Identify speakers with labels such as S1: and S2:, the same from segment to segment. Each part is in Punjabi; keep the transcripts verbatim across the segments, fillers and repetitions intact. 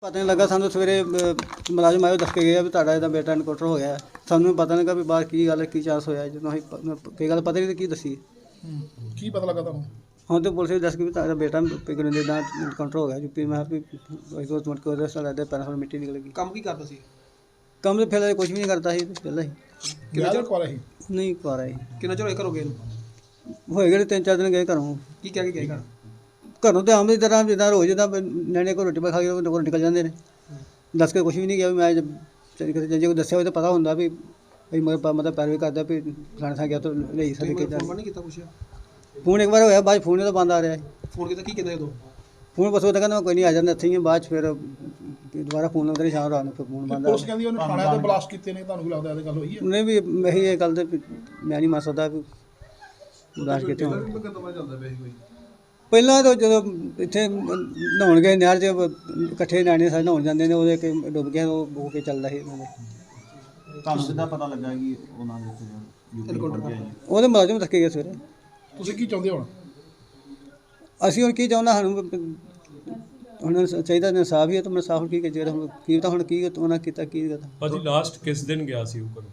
S1: ਪਤਾ ਨਹੀਂ ਲੱਗਾ ਸਾਨੂੰ ਸਵੇਰੇ ਮੁਲਾਜ਼ਮ ਆਇਓ ਦੱਸ ਕੇ ਗਿਆ ਵੀ ਤੁਹਾਡਾ ਇਹਦਾ ਬੇਟਾ ਇਨਕਾਊਂਟਰ ਹੋ ਗਿਆ। ਸਾਨੂੰ ਪਤਾ ਨਹੀਂ ਲੱਗਾ ਵੀ ਬਾਹਰ ਕੀ ਗੱਲ ਕੀ ਚਾਂਸ ਹੋਇਆ। ਜਦੋਂ ਅਸੀਂ ਕੋਈ ਗੱਲ ਪਤਾ ਨਹੀਂ ਕੀ ਦੱਸੀ।
S2: ਕੀ ਪਤਾ ਲੱਗਾ ਤੁਹਾਨੂੰ?
S1: ਹੁਣ ਤਾਂ ਪੁਲਿਸ ਵੀ ਦੱਸ ਕੇ ਵੀ ਤੁਹਾਡਾ ਬੇਟਾ ਪਿਗਨ ਦਾ ਇਨਕਾਊਂਟਰ ਹੋ ਗਿਆ ਯੂਪੀ। ਮੈਂ ਵੀ ਉਸ ਮੁੜ ਕੇ ਉਹਦੇ ਸਾਲ ਦੇ ਪੈਰਾਂ ਤੋਂ ਮਿੱਟੀ ਨਿਕਲ ਗਈ।
S3: ਕੰਮ ਕੀ ਕਰਦਾ ਸੀ?
S1: ਕੰਮ ਤਾਂ ਫਿਰ ਕੁਝ ਵੀ ਨਹੀਂ ਕਰਦਾ ਸੀ ਪਹਿਲਾਂ ਹੀ।
S2: ਕਿੰਨਾ ਚਿਰ ਕੋਲ ਸੀ?
S1: ਨਹੀਂ ਕਰ ਆਈ।
S3: ਕਿੰਨਾ ਚਿਰ ਹੋਇਆ ਘਰੋਂ ਗਏ ਨੂੰ?
S1: ਹੋਏ ਗਏ ਤਿੰਨ ਚਾਰ ਦਿਨ ਗਏ ਘਰੋਂ।
S3: ਕੀ ਕਹਿ ਕੇ ਗਏ ਘਰ?
S1: ਘਰੋਂ ਤਾਂ ਆਮ ਦੀ ਤਰ੍ਹਾਂ ਜਿੱਦਾਂ ਰੋਜ਼ ਜਿੱਦਾਂ ਨਿਆਣੇ ਕੋਲ ਰੋਟੀ ਪਾ ਖਾ ਕੇ ਉਹ ਨਿਕਲ ਜਾਂਦੇ ਨੇ। ਦੱਸ ਕੇ ਕੁਝ ਵੀ ਨਹੀਂ ਗਿਆ ਵੀ ਮੈਂ ਚਲੀ ਕਿਤੇ ਜੇ ਕੋਈ ਦੱਸਿਆ ਹੋਵੇ ਤਾਂ ਪਤਾ ਹੁੰਦਾ ਵੀ ਵੀ ਮਤਲਬ ਮਤਲਬ ਪੈਰਵੀ ਕਰਦਾ ਵੀ ਫਲਾਣੇ ਥਾਂ ਗਿਆ ਤਾਂ ਲਈ ਸਕਦੇ ਕਿ
S3: ਫੋਨ ਨਹੀਂ ਕੀਤਾ ਪੁੱਛਿਆ?
S1: ਫੋਨ ਇੱਕ ਵਾਰ ਹੋਇਆ ਬਾਅਦ ਫੋਨ ਤਾਂ ਬੰਦ ਆ ਰਿਹਾ।
S3: ਫੋਨ ਕੀਤਾ ਕੀ ਕਹਿੰਦਾ ਉਦੋਂ?
S1: ਫੋਨ ਬਸ ਉਹ ਤਾਂ ਕਹਿੰਦਾ ਕੋਈ ਨਹੀਂ ਆ ਜਾਂਦਾ ਇੱਥੇ ਹੀ ਬਾਅਦ 'ਚ ਫਿਰ ਦੁਬਾਰਾ ਫੋਨ ਲਾਉਂਦੇ ਸ਼ਾਮ ਰਾਤ ਨੂੰ ਫਿਰ ਫੋਨ ਬੰਦ ਆ।
S2: ਪੁਲਿਸ ਕਹਿੰਦੀ ਉਹਨੇ ਥਾਣੇ ਤੇ ਬਲਾਸਟ ਕੀਤੇ ਨੇ, ਤੁਹਾਨੂੰ ਕੀ ਲੱਗਦਾ ਇਹ ਗੱਲ ਹੋਈ ਹੈ?
S1: ਉਹਨੇ ਵੀ ਇਹੀ ਇਹ ਗੱਲ ਤੇ ਮੈਂ ਨਹੀਂ ਮੰਨ ਸਕਦਾ ਵੀ ਬਲਾਸਟ ਕੀਤੇ ਹੋਣ। ਪਹਿਲਾਂ ਤਾਂ ਜਦੋਂ ਇੱਥੇ ਨਹਾਉਣ ਗਏ ਨਹਿਰ 'ਚ ਇਕੱਠੇ ਨਿਆਣੇ ਸਾਰੇ ਨਹਾਉਣ ਜਾਂਦੇ ਨੇ ਉਹਦੇ ਕਿ ਡੁੱਬ ਗਿਆ ਉਹ ਹੋ ਕੇ ਚੱਲਦਾ ਸੀ।
S4: ਤੁਹਾਨੂੰ ਕਿੱਦਾਂ ਪਤਾ ਲੱਗਾ ਕਿ ਉਹਨਾਂ ਦੇ ਯੂਪੀ ਪਹੁੰਚਿਆ ਜੀ?
S1: ਉਹਦੇ ਮੁਲਾਜ਼ਮ ਥੱਕੇ ਗਏ ਸਵੇਰੇ।
S2: ਤੁਸੀਂ ਕੀ ਚਾਹੁੰਦੇ ਹੁਣ?
S1: ਅਸੀਂ ਹੁਣ ਕੀ ਚਾਹੁੰਦਾ ਸਾਨੂੰ ਹੁਣ ਚਾਹੀਦਾ ਇਨਸਾਫ ਹੀ ਹੈ ਤਾਂ ਇਨਸਾਫ ਕੀ ਜਿਹੜਾ ਹੁਣ ਕੀ ਤਾਂ ਹੁਣ ਕੀ ਉਹਨਾਂ ਕੀਤਾ ਕੀ ਕਰਦਾ।
S5: ਭਾਜੀ ਲਾਸਟ ਕਿਸ ਦਿਨ ਗਿਆ ਸੀ ਉਹ ਘਰੋਂ?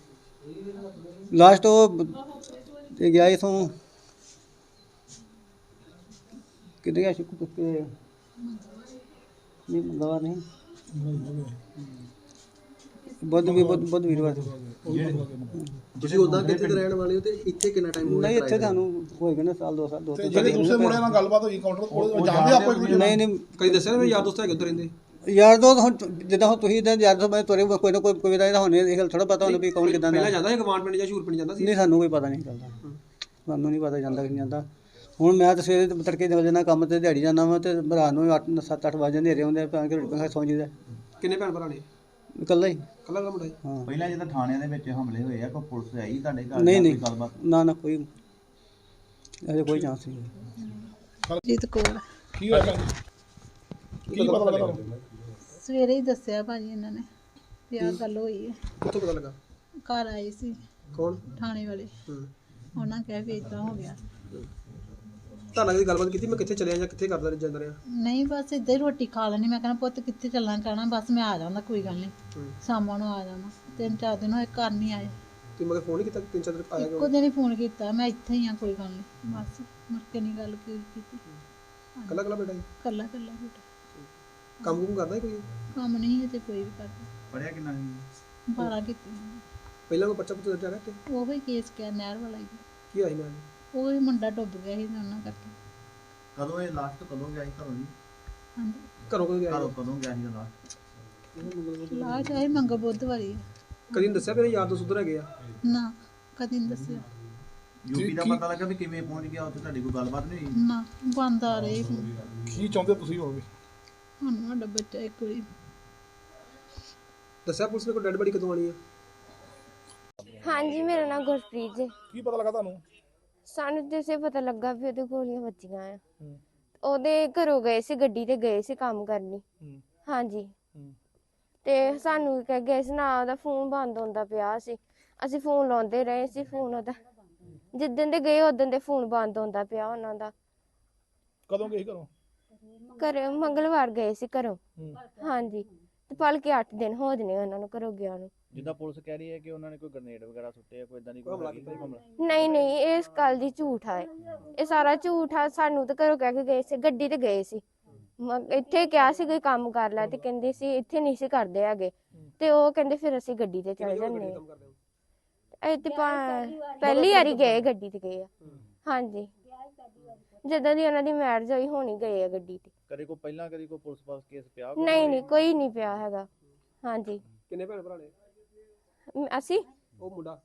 S1: ਲਾਸਟ ਉਹ ਗਿਆ ਇਥੋਂ ਕਿੱਥੇ ਗਿਆ ਸ਼ੁਕਰ ਤੁੱਕੇ ਨਹੀਂ ਮੰਗਵਾ ਨਹੀਂ ਬੁੱਧ ਵੀ ਬੁੱਧ ਬੁੱਧ ਵੀਰਵਾਰ।
S3: ਤੁਸੀਂ ਉਦਾਂ ਕਿੱਥੇ ਦੇ ਰਹਿਣ ਵਾਲੇ ਹੋ ਤੇ ਇੱਥੇ ਕਿੰਨਾ ਟਾਈਮ ਹੋ ਗਿਆ?
S1: ਨਹੀਂ ਇੱਥੇ ਤੁਹਾਨੂੰ ਹੋਏਗਾ ਨਾ ਸਾਲ ਦੋ ਸਾਲ ਦੋ
S2: ਤੇ
S1: ਤਿੰਨ
S2: ਜਿਹੜੇ ਦੂਸਰੇ ਮੁੰਡਿਆਂ ਨਾਲ ਗੱਲਬਾਤ ਹੋਈ ਕਾਊਂਟਰ ਕੋਲ ਜਾਣਦੇ ਆਪਾਂ ਇੱਕ ਦੂਜੇ ਨੂੰ?
S1: ਨਹੀਂ ਨਹੀਂ
S3: ਕਦੀ ਦੱਸਿਆ ਨਾ ਮੇਰੇ ਯਾਰ ਦੋਸਤ ਹੈਗੇ ਉੱਧਰ ਰਹਿੰਦੇ?
S1: ਯਾਰ ਦੋ ਹੁਣ ਜਿੱਦਾਂ ਹੁਣ ਤੁਸੀਂ ਇਦਾਂ ਯਾਰ ਦੋ ਮੈਂ ਤੁਰੇ ਕੋਈ ਨਾ ਕੋਈ ਕੋਈ ਦਾ ਹੁਣ ਇਹ ਗੱਲ ਥੋੜਾ ਪਤਾ ਹੁੰਦਾ ਵੀ ਕੌਣ ਕਿੱਦਾਂ ਦਾ।
S3: ਪਹਿਲਾਂ ਜਾਂਦਾ ਸੀ ਗਵਾਂਡ ਪਿੰਡ ਜਾਂ ਸ਼ੂਰ ਪਿੰਡ ਜਾਂਦਾ ਸੀ?
S1: ਨਹੀਂ ਸਾਨੂੰ ਕੋਈ ਪਤਾ ਨਹੀਂ ਚੱਲਦਾ। ਸਾਨੂੰ ਨਹੀਂ ਪਤਾ ਜਾਂਦਾ ਕਿ ਨਹੀਂ ਜਾਂਦਾ। ਹੁਣ ਮੈਂ ਤਾਂ ਸਵੇਰੇ ਤੜਕੇ ਨਿਕਲ ਜਾਂਦਾ ਕੰਮ ਤੇ ਦਿਹਾੜੀ ਜਾਂਦਾ ਵਾ ਤੇ ਰਾਤ ਨੂੰ ਅੱਠ ਸੱਤ ਅੱਠ ਵਜੇ ਹਨੇਰੇ ਹੁੰਦੇ ਆ ਕਿ ਰੋਟੀ ਖਾ ਸੌਂ ਜੀਦਾ।
S3: ਕਿੰਨੇ ਭੈਣ ਭਰਾ ਨੇ?
S1: ਇਕੱਲਾ ਹੀ।
S3: ਕੱਲਾ ਕੱਲਾ ਮੁੰਡਾ?
S1: ਹਾਂ
S4: ਪਹਿਲਾਂ ਜਦੋਂ ਥਾਣਿਆਂ ਦੇ ਵਿੱਚ ਹਮਲੇ ਹੋਏ ਆ ਕੋਈ ਪੁਲਿਸ ਆਈ ਤੁਹਾਡੇ ਘਰ?
S1: ਨਹੀਂ
S4: ਜਾਂ
S1: ਨਹੀਂ
S4: ਕੋਈ ਗੱਲਬਾਤ?
S1: ਨਾ ਨਾ ਕੋਈ ਅਜੇ ਕੋਈ ਚਾਂਸ ਨਹੀਂ।
S6: ਜੀਤ ਕੌਰ।
S2: ਕੀ ਹੋਇਆ ਭੈਣ ਜੀ? ਕੀ ਪਤਾ ਲੱਗਾ ਤੁਹਾਨੂੰ?
S6: ਸਵੇਰੇ ਹੀ ਦੱਸਿਆ ਭਾਜੀ ਇਹਨਾਂ ਨੇ ਵੀ ਆਹ ਗੱਲ ਹੋਈ ਹੈ।
S3: ਕਿੱਥੋਂ ਪਤਾ ਲੱਗਾ?
S6: ਘਰ ਆਏ ਸੀ
S3: ਕੌਣ?
S6: ਥਾਣੇ ਵਾਲੇ।
S3: ਹੂੰ।
S6: ਉਹਨਾਂ ਕਹਿ ਵੀ ਇਦਾਂ ਹੋ ਗਿਆ।
S3: ਤੁਹਾਨੂੰ ਕਦੀ ਗੱਲਬਾਤ ਕੀਤੀ ਮੈਂ ਕਿੱਥੇ ਚਲਿਆ ਜਾਂ ਕਿੱਥੇ ਕਰਦਾ ਜਾਂਦਾ ਰਿਹਾ?
S6: ਨਹੀਂ ਬਸ ਇੱਦਾਂ ਹੀ ਰੋਟੀ ਖਾ ਲੈਣੀ। ਮੈਂ ਕਹਿੰਦਾ ਪੁੱਤ ਕਿੱਥੇ ਚੱਲਣਾ ਕਹਿਣਾ ਬਸ ਮੈਂ ਆ ਜਾਂਦਾ ਕੋਈ ਗੱਲ ਨਹੀਂ ਸ਼ਾਮਾਂ ਨੂੰ ਆ ਜਾਣਾ। ਤਿੰਨ ਚਾਰ ਦਿਨ ਹੋਏ ਘਰ ਨਹੀਂ ਆਏ।
S3: ਤੁਸੀਂ ਮਗਰ ਫੋਨ ਨਹੀਂ ਕੀਤਾ? ਤਿੰਨ ਚਾਰ ਦਿਨ ਆਇਆ
S6: ਇੱਕੋ ਦਿਨ ਹੀ ਫੋਨ ਕੀਤਾ ਮੈਂ ਇੱਥੇ ਹੀ ਆ ਕੋਈ ਗੱਲ ਨਹੀਂ ਬਸ ਮੁੜ ਕੇ ਨਹੀਂ ਗੱਲ ਕੀ- ਕੀਤੀ।
S3: ਕੱਲਾ ਕੱਲਾ ਬੇਟਾ?
S6: ਕੱਲਾ ਕੱਲਾ ਬੇਟਾ
S3: ਕੰਮ ਕੁਮ ਕਰਦਾ ਕੋਈ?
S6: ਕੰਮ ਨਹੀਂ ਹੈ ਤੇ ਕੋਈ ਵੀ ਕਰਦਾ।
S4: ਪੜਿਆ ਕਿੰਨਾ ਸੀ?
S6: ਬਾਰਾਂ ਕੀਤੀ
S3: ਪਹਿਲਾਂ ਕੋਈ ਬੱਚਾ ਪੁੱਤ ਦਰਜਾ ਰੱਖ ਕੇ
S6: ਉਹ ਹੀ ਕੇਸ ਕਿਆ ਨਹਿਰ ਵਾਲਾ ਹੀ।
S3: ਕੀ ਆਈ ਨਾ?
S6: ਉਹ ਹੀ ਮੁੰਡਾ ਡੁੱਬ ਗਿਆ ਸੀ ਤੇ ਉਹਨਾਂ ਕਰਕੇ।
S4: ਕਦੋਂ ਇਹ ਲਾਸਟ ਕਦੋਂ ਗਿਆ ਸੀ ਘਰੋਂ ਜੀ?
S6: ਹਾਂਜੀ
S3: ਘਰੋਂ ਕਦੋਂ ਗਿਆ?
S4: ਘਰੋਂ ਕਦੋਂ ਗਿਆ ਸੀ ਲਾਸਟ?
S6: ਲਾਸ਼ ਆਈ ਮੰਗ ਬੁੱਧਵਾਰੀ ਆ।
S3: ਕਦੀ ਨਹੀਂ ਦੱਸਿਆ ਮੇਰੇ ਯਾਰ ਦੋਸਤ ਉੱਧਰ ਹੈਗੇ ਆ?
S6: ਨਾ ਕਦੀ ਨਹੀਂ ਦੱਸਿਆ।
S4: ਯੂਪੀ ਦਾ ਪਤਾ ਲੱਗਾ ਵੀ ਕਿਵੇਂ ਪਹੁੰਚ ਗਿਆ ਉੱਥੇ? ਤੁਹਾਡੀ ਕੋਈ ਗੱਲਬਾਤ ਨਹੀਂ ਹੋਈ?
S6: ਨਾ ਬੰਦ ਆ ਰਹੇ ਹੁਣ।
S2: ਕੀ ਚਾਹੁੰਦੇ ਤੁਸੀਂ ਹੋਵੇ?
S6: ਹੁਣ ਸਾਡਾ ਬੱਚਾ ਇੱਕ ਵਾਰੀ
S3: ਦੱਸਿਆ ਪੁਲਿਸ ਨੇ ਕੋਈ ਡੈਡ ਬੜੀ ਕਦੋਂ ਆਣੀ ਆ?
S7: ਹਾਂਜੀ ਮੇਰਾ ਨਾਮ ਗੁਰਪ੍ਰੀਤ ਜੀ।
S2: ਕੀ ਪਤਾ ਲੱਗਾ ਤੁਹਾਨੂੰ?
S7: ਸਾਨੂੰ ਜਿਸੇ ਪਤਾ ਲੱਗਾ ਵੀ ਉਹਦੇ ਗੋਲੀਆਂ ਵੱਜੀਆਂ ਆ। ਉਹਦੇ ਘਰੋਂ ਗਏ ਸੀ ਗੱਡੀ ਤੇ ਗਏ ਸੀ ਕੰਮ ਕਰਨੀ। ਹਾਂਜੀ ਤੇ ਸਾਨੂੰ ਕਹਿ ਗਏ ਸੀ ਨਾ ਉਹਦਾ ਫੋਨ ਬੰਦ ਹੁੰਦਾ ਪਿਆ ਸੀ। ਅਸੀਂ ਫੋਨ ਲਾਉਂਦੇ ਰਹੇ ਸੀ। ਫੋਨ ਉਹਦਾ ਜਿੱਦਣ ਦੇ ਗਏ ਉਦੋਂ ਦੇ ਫੋਨ ਬੰਦ ਹੁੰਦਾ ਪਿਆ ਉਹਨਾਂ ਦਾ।
S2: ਕਦੋਂ ਗਏ ਸੀ ਘਰੋਂ?
S7: ਘਰ ਮੰਗਲਵਾਰ ਗਏ ਸੀ ਘਰੋਂ। ਹਾਂਜੀ ਤੇ ਭਲਕੇ ਅੱਠ ਦਿਨ ਹੋ ਜਨੇ ਉਹਨਾਂ ਨੂੰ ਘਰੋਂ ਗਿਆ ਨੂੰ।
S4: ਜਿੱਦਾਂ ਪੁਲਿਸ ਕਹਿ ਰਹੀ ਹੈ ਕਿ ਉਹਨਾਂ ਨੇ ਕੋਈ ਗ੍ਰਨੇਡ ਵਗੈਰਾ ਸੁੱਟੇ ਆ, ਕੋਈ ਇਦਾਂ ਦੀ ਕੋਈ
S3: ਹਮਲਾ
S4: ਹੈਗੀ
S3: ਕੀਤਾ?
S4: ਹਮਲਾ?
S7: ਨਹੀਂ ਨਹੀਂ ਇਹ ਇਸ ਗੱਲ ਦੀ ਝੂਠ ਆ। ਇਹ ਸਾਰਾ ਝੂਠ ਆ। ਸਾਨੂੰ ਤਾਂ ਘਰੋਂ ਕਹਿ ਕੇ ਗਏ ਸੀ ਗੱਡੀ ਤੇ ਗਏ ਸੀ। ਮ- ਇੱਥੇ ਕਿਹਾ ਸੀ ਕੋਈ ਕੰਮ ਕਰ ਲੈ ਤੇ ਕਹਿੰਦੇ ਸੀ ਇੱਥੇ ਨਹੀਂ ਸੀ ਕਰਦੇ ਹੈਗੇ ਤੇ ਉਹ ਕਹਿੰਦੇ ਫਿਰ ਅਸੀਂ ਗੱਡੀ ਤੇ ਚਲੇ ਜਾਂਦੇ
S3: ਕੰਮ ਕਰਦੇ ਹੋ?
S7: ਆ। ਇਹ ਤੇ ਪਾ- ਪਹਿਲੀ ਵਾਰੀ ਗਏ ਗੱਡੀ ਤੇ ਗਏ ਆ। ਹਾਂਜੀ ਜਦੋਂ ਦੀ ਉਹਨਾਂ ਦੀ ਮੈਰਿਜ ਹੋਈ ਹੋਣੀ ਗਏ ਆ ਗੱਡੀ ਤੇ।
S4: ਕਦੇ ਕੋਈ ਪਹਿਲਾਂ ਕਦੀ ਕੋਈ ਪੁਲਿਸ ਪਾਸ ਕੇਸ ਪਿਆ?
S7: ਨਹੀਂ ਨਹੀਂ ਕੋਈ ਨਹੀਂ ਪਿਆ ਹੈਗਾ। ਹਾਂਜੀ
S3: ਕਿੰਨੇ ਭੈਣ ਭਰਾ ਨੇ?
S7: ਮ- ਅਸੀਂ
S3: ਉਹ ਮੁੰਡਾ?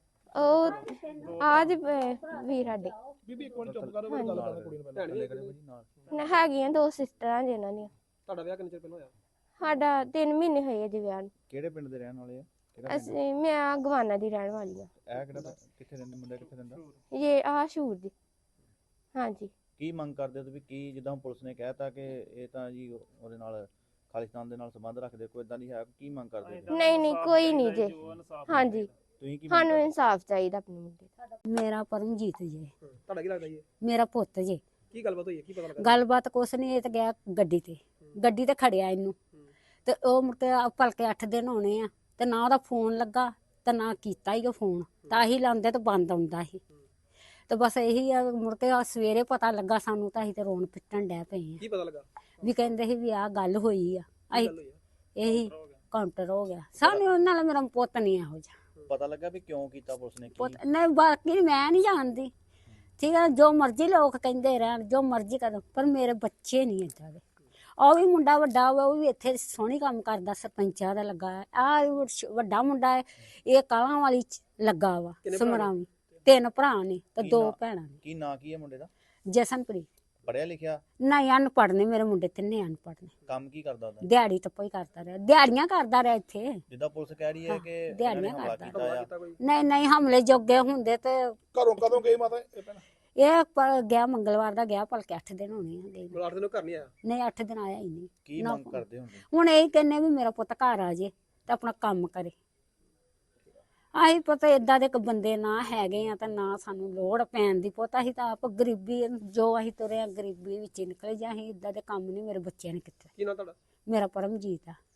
S7: ਉਹ ਆਜ ਵੀਰ ਸਾਡੇ
S2: ਬੀਬੀ ਇੱਕ ਮਿੰਟ ਚੁੱਪ ਕਰੋ, ਮੇਰੀ ਗੱਲ ਕਰਨ ਕੁੜੀ ਨੂੰ ਪਹਿਲਾਂ।
S3: ਭੈਣ ਵੀ ਹੈਗੀ?
S7: ਨ- ਹੈਗੀਆਂ ਦੋ ਸਿਸਟਰਾਂ ਜੀ ਉਹਨਾਂ ਦੀਆਂ।
S3: ਤੁਹਾਡਾ ਵਿਆਹ ਕਿੰਨੇ ਚਿਰ ਪਹਿਲਾਂ ਹੋਇਆ?
S7: ਸਾਡਾ ਤਿੰਨ ਮਹੀਨੇ ਹੋਏ ਆ ਜੀ ਵਿਆਹ ਨੂੰ।
S4: ਕਿਹੜੇ ਪਿੰਡ ਦੇ ਰਹਿਣ ਵਾਲੇ ਆ? ਕਿਹੜਾ ਪਿੰਡ?
S7: ਅਸੀਂ ਮੈਂ ਗਵਾਨਾ ਦੀ ਰਹਿਣ ਵਾਲੀ ਆ।
S4: ਇਹ ਕਿਹੜਾ ਪਿੰਡ? ਕਿੱਥੇ ਰਹਿੰਦੇ ਮੁੰਡਾ? ਕਿੱਥੇ ਰਹਿੰਦਾ?
S7: ਇਹ ਆਹ ਸ਼ੂਰ ਦੀ। ਹਾਂਜੀ
S4: ਕੀ ਮੰਗ ਕਰਦੇ ਹੋ ਤੁਸੀਂ? ਕੀ ਜਿੱਦਾਂ ਹੁਣ ਪੁਲਿਸ ਨੇ ਕਹਿਤਾ ਕਿ ਇਹ ਤਾਂ ਜੀ ਉਹਦੇ ਨਾਲ ਖਾਲਿਸਤਾਨ ਦੇ ਨਾਲ ਸੰਬੰਧ ਰੱਖਦੇ, ਕੋਈ ਇਦਾਂ ਦੀ ਹੈ? ਕੀ ਮੰਗ ਕਰਦੇ ਹੋ?
S7: ਨਹੀਂ ਨਹੀਂ ਕੋਈ ਨਹੀਂ ਜੀ। ਹਾਂਜੀ
S4: ਤੁਸੀਂ ਕੀ ਮੰਗ
S7: ਸਾਨੂੰ
S4: ਕਰਦੇ?
S7: ਇਨਸਾਫ ਚਾਹੀਦਾ ਆਪਣੇ ਮੁੰਡੇ ਦਾ।
S8: ਮੇਰਾ ਪਰਮਜੀਤ ਜੀ,
S3: ਤੁਹਾਡਾ ਕੀ ਲੱਗਦਾ ਜੀ?
S8: ਮੇਰਾ ਪੁੱਤ ਜੀ।
S3: ਕੀ ਗੱਲਬਾਤ ਹੋਈ ਹੈ? ਕੀ ਪਤਾ ਲੱਗਾ?
S8: ਗੱਲਬਾਤ ਕੁਛ ਨਹੀਂ, ਇਹ ਤਾਂ ਗਿਆ ਗੱਡੀ ਤੇ ਗੱਡੀ ਤੇ ਖੜਿਆ ਇਹਨੂੰ ਤੇ ਉਹ ਮੁੜ ਕੇ ਆ ਭਲਕੇ ਅੱਠ ਦਿਨ ਹੋਣੇ ਆ ਤੇ ਨਾ ਉਹਦਾ ਫੋਨ ਲੱਗਾ ਤੇ ਨਾ ਕੀਤਾ ਹੀ ਉਹ ਫੋਨ, ਤਾਂ ਹੀ ਲਾਉਂਦੇ ਤੇ ਬੰਦ ਆਉਂਦਾ ਸੀ। ਤੇ ਬਸ ਇਹੀ ਆ, ਮੁੜ ਕੇ ਆ ਸਵੇਰੇ ਪਤਾ ਲੱਗਾ ਸਾਨੂੰ ਤਾਂ ਅਸੀਂ ਤੇ ਰੋਣ ਪਿੱਟਣ ਡੈ ਪਏ ਆ।
S2: ਕੀ ਪਤਾ ਲੱਗਾ?
S8: ਵੀ ਕਹਿੰਦੇ ਸੀ ਵੀ ਆਹ ਗੱਲ ਹੋਈ ਆ। ਅਸੀਂ
S2: ਗੱਲ ਹੋਈ ਆ?
S8: ਇਹੀ ਕਾਊਂਟਰ ਹੋ ਗਿਆ ਸਾਨੂੰ, ਉਹਨਾਂ ਨਾਲ ਮੇਰਾ ਪੁੱਤ ਨਹੀਂ ਇਹੋ ਜਿਹਾ
S4: ਪਤਾ ਲੱਗਾ ਵੀ ਕਿਉਂ ਕੀਤਾ ਪੁਲਿਸ ਨੇ? ਕੀ
S8: ਪੁੱਤ ਨਹੀਂ, ਬਾਕੀ ਮੈਂ ਨਹੀਂ ਜਾਣਦੀ, ਠੀਕ ਹੈ, ਜੋ ਮਰਜ਼ੀ ਲੋਕ ਕਹਿੰਦੇ ਰਹਿਣ, ਜੋ ਮਰਜ਼ੀ ਕਰਨ, ਪਰ ਮੇਰੇ ਬੱਚੇ ਨਹੀਂ ਏਦਾਂ ਦੇ। ਉਹ ਵੀ ਮੁੰਡਾ ਵੱਡਾ ਵਾ, ਉਹ ਵੀ ਇੱਥੇ ਸੋਹਣੀ ਕੰਮ ਕਰਦਾ, ਸਰਪੰਚਾਂ ਦਾ ਲੱਗਾ ਹੈ। ਆ ਵੱਡਾ ਮੁੰਡਾ ਹੈ, ਇਹ ਕਾਲਾਂ ਵਾਲੀ ਚ ਲੱਗਾ ਵਾ ਸਮਰਾਵੀ। ਤਿੰਨ ਭਰਾ ਨੇ ਤੇ
S4: ਕੀ
S8: ਦੋ
S4: ਨਾਂ-
S8: ਭੈਣਾਂ ਨੇ।
S4: ਕੀ ਨਾਂ ਕੀ ਹੈ ਮੁੰਡੇ ਦਾ?
S8: ਜਸਨਪ੍ਰੀਤ।
S4: ਪੜਿਆ ਲਿਖਿਆ?
S8: ਨਹੀਂ, ਅਨਪੜ੍ਹ ਨੇ ਮੇਰੇ ਮੁੰਡੇ, ਤਿੰਨੇ ਅਨਪੜ੍ਹ ਨੇ।
S4: ਕੰਮ ਕੀ ਕਰਦਾ ਉਹਦਾ?
S8: ਦਿਹਾੜੀ ਟੱਪਾ ਹੀ ਕਰਦਾ ਰਿਹਾ, ਦਿਹਾੜੀਆਂ ਕਰਦਾ ਰਿਹਾ ਇੱਥੇ।
S4: ਜਿੱਦਾਂ ਪੁਲਿਸ ਕਹਿ ਰਹੀ ਹੈ
S8: ਹਾਂ,
S4: ਕਿ ਇਹਨਾਂ ਨੇ
S8: ਦਿਹਾੜੀਆਂ
S4: ਹਮਲਾ
S8: ਕਰਦਾ।
S4: ਕੀਤਾ
S2: ਹਮਲਾ
S4: ਆ।
S2: ਕੀਤਾ ਕੋਈ?
S8: ਨਹੀਂ ਨਹੀਂ, ਹਮਲੇ ਜੋਗੇ ਹੁੰਦੇ ਤੇ
S2: ਘਰੋਂ ਕਦੋਂ ਗਈ ਮਾਤਾ ਇਹ ਭੈਣ?
S8: ਇਹ ਪ- ਗਿਆ ਮੰਗਲਵਾਰ ਦਾ ਗਿਆ, ਭਲਕੇ ਅੱਠ ਦਿਨ ਹੋਣੇ ਆ ਗਏ ਨੂੰ।
S2: ਮਤਲਬ ਅੱਠ ਦਿਨੋਂ ਘਰ ਨਹੀਂ ਆਇਆ?
S8: ਨਹੀਂ, ਅੱਠ ਦਿਨ ਆਇਆ ਹੀ ਨਹੀਂ।
S4: ਕੀ
S8: ਨਾ
S4: ਮੰਗ
S8: ਫੋਨ।
S4: ਕਰਦੇ ਹੁੰਦੇ?
S8: ਹੁਣ ਇਹ ਕਹਿੰਨੇ ਵੀ ਮੇਰਾ ਪੁੱਤ ਘਰ ਆ ਜੇ ਤੇ ਆਪਣਾ ਕੰਮ ਕਰੇ। ਆਹੀ ਪਤਾ ਏਦਾਂ ਦੇ ਇੱਕ ਬੰਦੇ ਨਾ ਹੈਗੇ ਆ ਤੇ ਨਾ ਸਾਨੂੰ ਲੋੜ ਪੈਣ ਦੀ। ਪੁੱਤ ਅਸੀਂ ਤਾਂ ਆਪ ਗਰੀਬੀ, ਜੋ ਅਸੀਂ ਤੁਰੇ ਆ ਗਰੀਬੀ ਵਿੱਚ ਹੀ ਨਿਕਲੇ, ਜਾਂ ਅਸੀਂ ਏਦਾਂ ਦੇ ਕੰਮ ਨਹੀਂ ਮੇਰੇ ਬੱਚਿਆਂ ਨੇ ਕੀਤੇ।
S2: ਕੀ ਨਾਂ ਤੁਹਾਡਾ?
S8: ਮੇਰਾ ਪਰਮਜੀਤ ਆ।